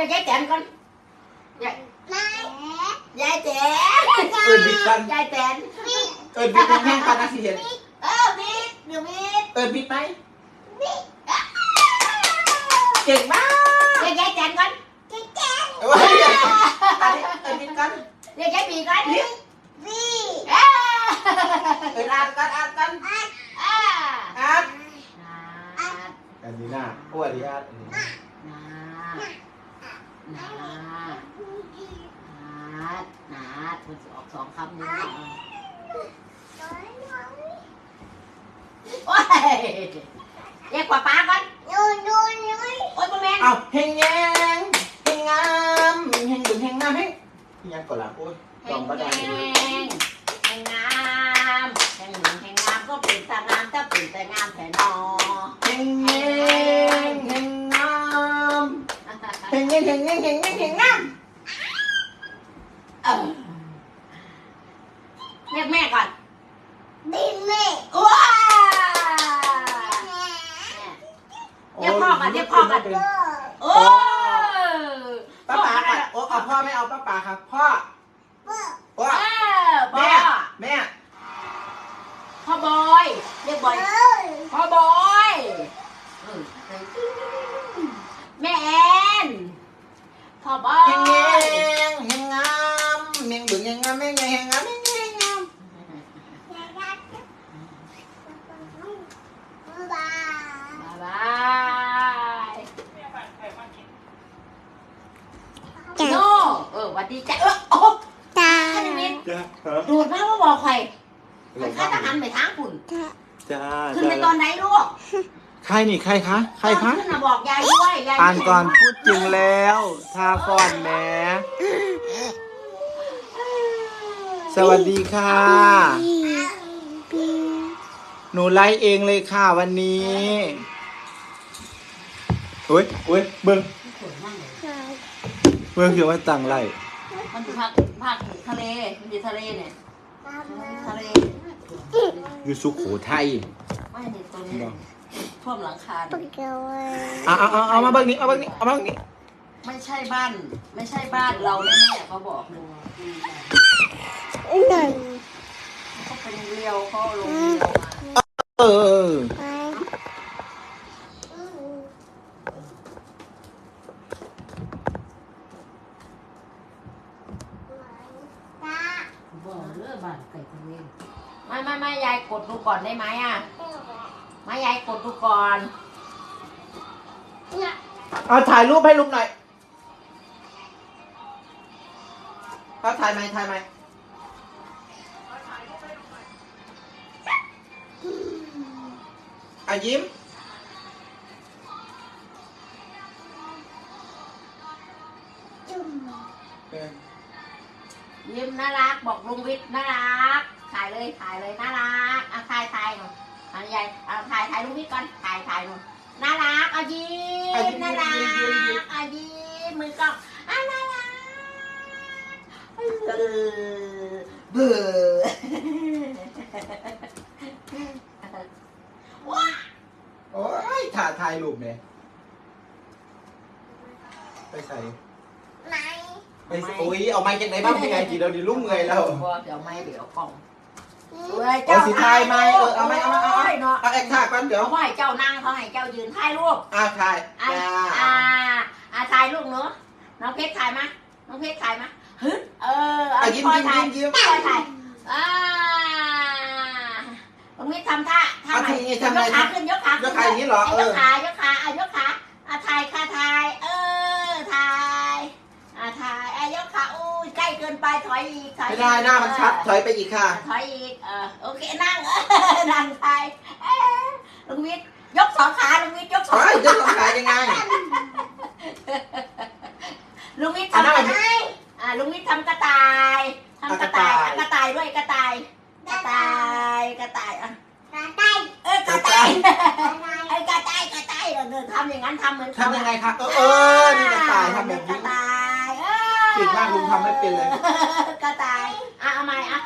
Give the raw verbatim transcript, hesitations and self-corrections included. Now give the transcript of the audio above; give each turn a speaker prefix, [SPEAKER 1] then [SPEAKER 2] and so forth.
[SPEAKER 1] ยายแจนก่อนยายยายแจน
[SPEAKER 2] เอิญบิดกัน
[SPEAKER 1] ยายแจน
[SPEAKER 2] เอิญบิดแห้งๆกันนะสิเห็น
[SPEAKER 1] เออบิดเดี๋ยวบิด
[SPEAKER 2] เอิญบิดไหมเก่งมาก
[SPEAKER 1] ยายยายแจนก่อนยายแจน
[SPEAKER 2] เอ้ยอันนี้เอิญบิดกัน
[SPEAKER 1] ยายยายบีก่อนบีเออ
[SPEAKER 2] เอิญอ่านกันอ่านกัน
[SPEAKER 1] อ่า
[SPEAKER 2] อ่าน
[SPEAKER 1] นาด
[SPEAKER 2] อันนี้น่ะอ้วนดีอ่านอันนี้
[SPEAKER 1] นานานาดนาดมันจะออกสองคำนี้โอ้ยเรียกกว่าป้าก่อนโอ้ยโอ้ยพ่อแม่
[SPEAKER 2] เอาเฮงแยงเฮงงามเฮงดุเฮงงามเฮงยังก่อนละโอ้ย
[SPEAKER 1] แห
[SPEAKER 2] ลอง
[SPEAKER 1] ง
[SPEAKER 2] ก็ได้
[SPEAKER 1] แหงแหงงามแหงหนึ่งแหงงามก็เป็นตางามถ้าเป็นแต่งามแต่นอ
[SPEAKER 2] เฮงแยงเฮงงามเฮงแยงเฮงแยงเฮงแยงเฮงงาม
[SPEAKER 1] เออเรียกแม่ก่อนดิแม่ว้าเรียกพ่อก่อนเรียกพ่อก่อนโอ้พ่อ
[SPEAKER 2] ป้าป๋า
[SPEAKER 1] ก่
[SPEAKER 2] ก่
[SPEAKER 1] อ
[SPEAKER 2] อน นโอ้เอาพ่อไม่เอาป้าป๋าครับพ่อพ่อ
[SPEAKER 1] เออพ่
[SPEAKER 2] แม่
[SPEAKER 1] อ
[SPEAKER 2] แม่
[SPEAKER 1] พ่อบอยเรียกบอยพ่อบอยแม่แอนพ่อบอ
[SPEAKER 2] เฮงแย
[SPEAKER 1] ย
[SPEAKER 2] งเฮงงามเฮงดุเฮงงามเฮงแยงเฮงงามเฮงแยงงาม
[SPEAKER 1] บายบายโน่เออวัสดีจ้ะเออโอ้จ้าท่านมิน
[SPEAKER 2] จ้า
[SPEAKER 1] ดูดมากว่าบอกใครมันข้าทหารไปทางคุณ
[SPEAKER 2] จ้า
[SPEAKER 1] ขึ้นไปตอนไหนลูก
[SPEAKER 2] ใครนี่ใครคะใครคะ
[SPEAKER 1] ขึ้นมาบอกยายด้วยยาย
[SPEAKER 2] อ่านก่อนพูดจริงแล้วทาก่อนแหมสวัสดีค่ะ หนูไลฟ์เองเลยค่ะวันนี้โอ้ยโอ้ยเบิ้งเบิ้งคือว่าตังไลฟ์
[SPEAKER 1] มันอยู่ภาคภาคทะเลมันอยู่ทะเลเนี่ยทะเล
[SPEAKER 2] อยู่สุโขทัย
[SPEAKER 1] ไม่เนี่ยตัวนี้ท่วมหลังคาเนี่ย
[SPEAKER 2] เอาเอาเอาเอามาเบิ้งนี้เอาเบิ้งนี้เอามาเบิ้งนี้
[SPEAKER 1] ไม่ใช่บ้าน ไม่ใช่บ้านเราแน่ๆเขาบอกเลยเขาเป็นเรียวเขาลงเรียวมา
[SPEAKER 2] เออ
[SPEAKER 1] บอกเรื่องบ้านไก่ทะเลไม่ไม่ไม่ยายกดดูก่อนได้ไหมอ่ะไม่ยายกดดูก่อน
[SPEAKER 2] เอาถ่ายรูปให้ลุงหน่อยเอาถ่ายไหมถ่ายไหมอ่ะยิ้มเออ
[SPEAKER 1] ยิ้มน่ารักบอกลุงวิทย์น่ารักถ่ายเลยถ่ายเลยน่ารักเอาถ่ายถ่ายหน่อยอันใหญ่เอาถ่ายถ่ายลุงวิทย์ก่อนถ่ายถ่ายหน่อยน่ารักเอายิ้มน่ารักเอายิ้มมือกล้องอ่ะน่ารักเออเบื่อว้า
[SPEAKER 2] โอ้ยถ่ายถ่ายรูปเนี่ยไปใส่ไปใส่โอ้ยเอาไม้จากไหนบ้างพี่ไงจีเราดีลุ่มเงยแล้ว
[SPEAKER 1] เดี๋ยวไม่เดี๋ยวกล่อง
[SPEAKER 2] เอาสีทายไหมเออเอาไหมเอาไหมเอาไหม
[SPEAKER 1] เนาะ
[SPEAKER 2] เอาแอคท่าก่อนเดี๋ยว
[SPEAKER 1] เขาให้เจ้านั่งเขาให้เจ้ายืนถ่ายรูป
[SPEAKER 2] อ่าถ่าย
[SPEAKER 1] อ่า
[SPEAKER 2] จ้า
[SPEAKER 1] อ่าอ่าถ่ายรูปเนาะน้องเพชรถ่ายมาน้องเพชรถ่ายมาฮึเออเอา
[SPEAKER 2] อ่ะยิ้ม
[SPEAKER 1] พ่อ
[SPEAKER 2] ยิ้ม
[SPEAKER 1] ถ่าย
[SPEAKER 2] ยิ้มยิ้ม
[SPEAKER 1] พ่อถ่ายอ่าน้องเพชรทำท่าท่าไหนยกขาขึ้นยกขา
[SPEAKER 2] แล้
[SPEAKER 1] ขึ้
[SPEAKER 2] วน ใครอย่างนี้เหรอเอย
[SPEAKER 1] ก
[SPEAKER 2] อ
[SPEAKER 1] ขายกขาอ่ะยกขาอ่ะถ่ายค่ะถ่ายเออถ่ายอ่ะถ่ายอ่ะยกขาอู้ใกล้เกินไปถอยอีกถอย
[SPEAKER 2] ไม่ได้หน้ามันชัดถอยไปอีกค่ะ
[SPEAKER 1] ถอยอีกเออโอเคนั่งนั่งถ่ายเออลุงวิทย์ยกสองขาลุงวิทย์ยกสอง
[SPEAKER 2] เฮ้ยจะต้องขายยังไง
[SPEAKER 1] ลุงวิทย์
[SPEAKER 2] อ่ะ
[SPEAKER 1] ทำ
[SPEAKER 2] นั่
[SPEAKER 1] ก
[SPEAKER 2] ง
[SPEAKER 1] ระต่ายอ่าลุงวิทย์ทำกระต่ายทำกระต่ายอ่ะกระต่ายด้วยกระต่ายกระต่ายกระต่ายอ่ะเออกระต่ายไอ้กระต่ายกระต่ายเออทำอย่างนั้นทำเหมือน
[SPEAKER 2] ทำยังไงคะเออเออนี่กระต่ายทำแบบ
[SPEAKER 1] กระ
[SPEAKER 2] นี้
[SPEAKER 1] ต่ายเออ
[SPEAKER 2] เก่งมากลุงทำไม่เป็นเลย
[SPEAKER 1] กระต่ายอ่ะเอาใหม่อ่ะ